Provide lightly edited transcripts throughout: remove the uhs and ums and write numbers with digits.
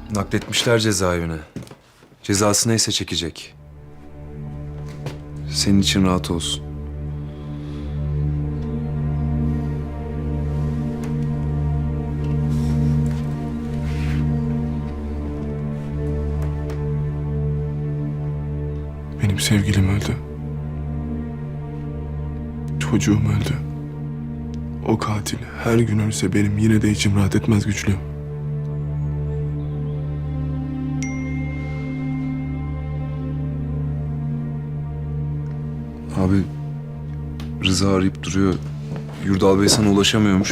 Nakletmişler cezaevine. Cezası neyse çekecek. Senin için rahat olsun. Benim sevgilim öldü. Çocuğum öldü. O katil her gün ölse benim yine de içim rahat etmez Güçlü. Abi Rıza arayıp duruyor. Yurdal Bey sana ulaşamıyormuş.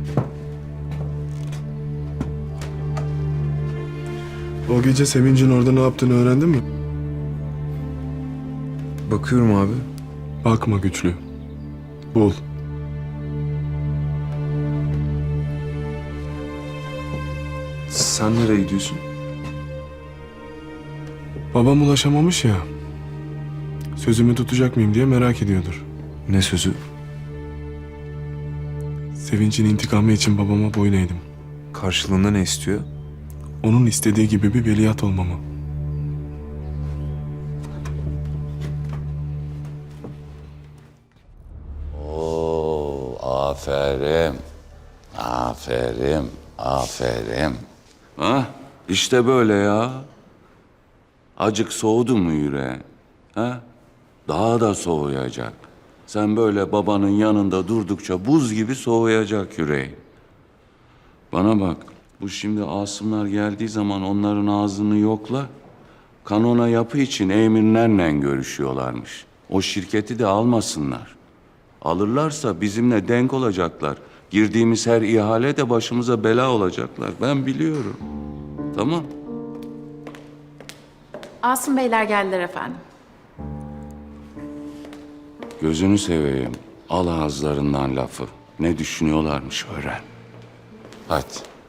O gece Sevinç'in orada ne yaptığını öğrendin mi? Bakıyorum abi. Bakma Güçlü. Bul. Sen nereye gidiyorsun? Babam ulaşamamış ya. Sözümü tutacak mıyım diye merak ediyordur. Ne sözü? Sevinç'in intikamı için babama boyun eğdim. Karşılığında ne istiyor? Onun istediği gibi bir veliaht olmamı. Oo, aferin. Aferin. Aferin. Ha? İşte böyle ya. Acık soğudu mu yüreğin? Ha? Daha da soğuyacak. Sen böyle babanın yanında durdukça buz gibi soğuyacak yüreğin. Bana bak, bu şimdi Asımlar geldiği zaman onların ağzını yokla. Kanona yapı için emirlerle görüşüyorlarmış. O şirketi de almasınlar. Alırlarsa bizimle denk olacaklar. Girdiğimiz her ihale de başımıza bela olacaklar. Ben biliyorum. Tamam. Asım Beyler geldiler efendim. Gözünü seveyim. Al ağızlarından lafı. Ne düşünüyorlarmış öğren. Hadi.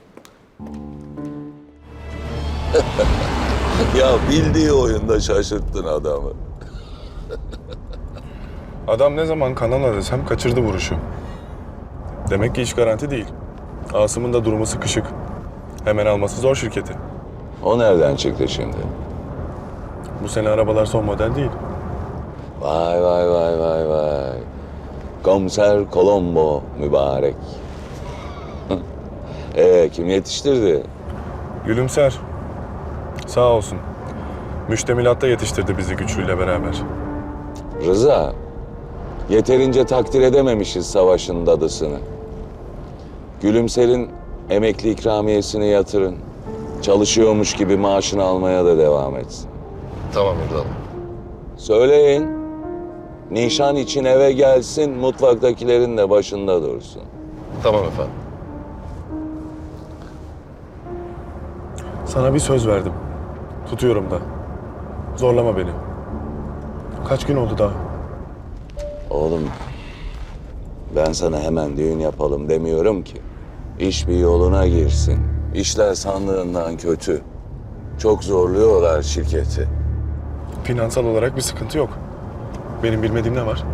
Ya bildiği oyunda şaşırttın adamı. Adam ne zaman kanala desem kaçırdı vuruşu. Demek ki iş garanti değil. Asım'ın da durumu sıkışık. Hemen alması zor şirketi. O nereden çıktı şimdi? Bu sene arabalar son model değil. Vay vay vay vay vay. Komiser Colombo mübarek. Kim yetiştirdi? Gülümser. Sağ olsun. Müştemilatta yetiştirdi bizi Güçlü'yle beraber. Rıza. Yeterince takdir edememişiz savaşın dadısını. Gülümser'in emekli ikramiyesini yatırın. Çalışıyormuş gibi maaşını almaya da devam etsin. Tamam Erdal. Söyleyin. Nişan için eve gelsin, mutfaktakilerin de başında dursun. Tamam efendim. Sana bir söz verdim. Tutuyorum da. Zorlama beni. Kaç gün oldu daha? Oğlum, ben sana hemen düğün yapalım demiyorum ki. İş bir yoluna girsin. İşler sandığından kötü. Çok zorluyorlar şirketi. Finansal olarak bir sıkıntı yok. Benim bilmediğim ne var?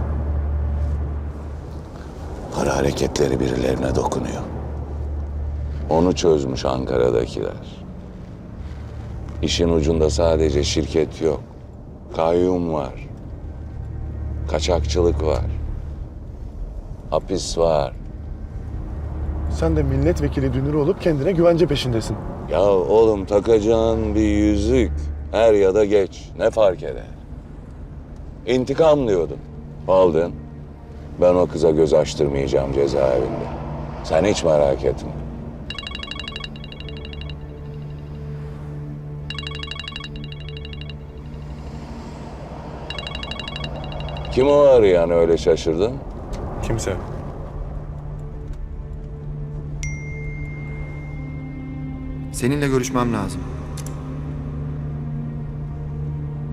Para hareketleri birilerine dokunuyor. Onu çözmüş Ankara'dakiler. İşin ucunda sadece şirket yok. Kayyum var. Kaçakçılık var. Hapis var. Sen de milletvekili dünürü olup kendine güvence peşindesin. Ya oğlum takacağın bir yüzük er ya da geç ne fark eder? İntikam diyordun. Aldın. Ben o kıza göz açtırmayacağım cezaevinde. Sen hiç merak etme. Kim o arayan öyle şaşırdın? Kimse. Seninle görüşmem lazım.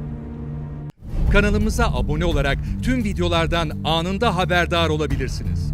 Kanalımıza abone olarak tüm videolardan anında haberdar olabilirsiniz.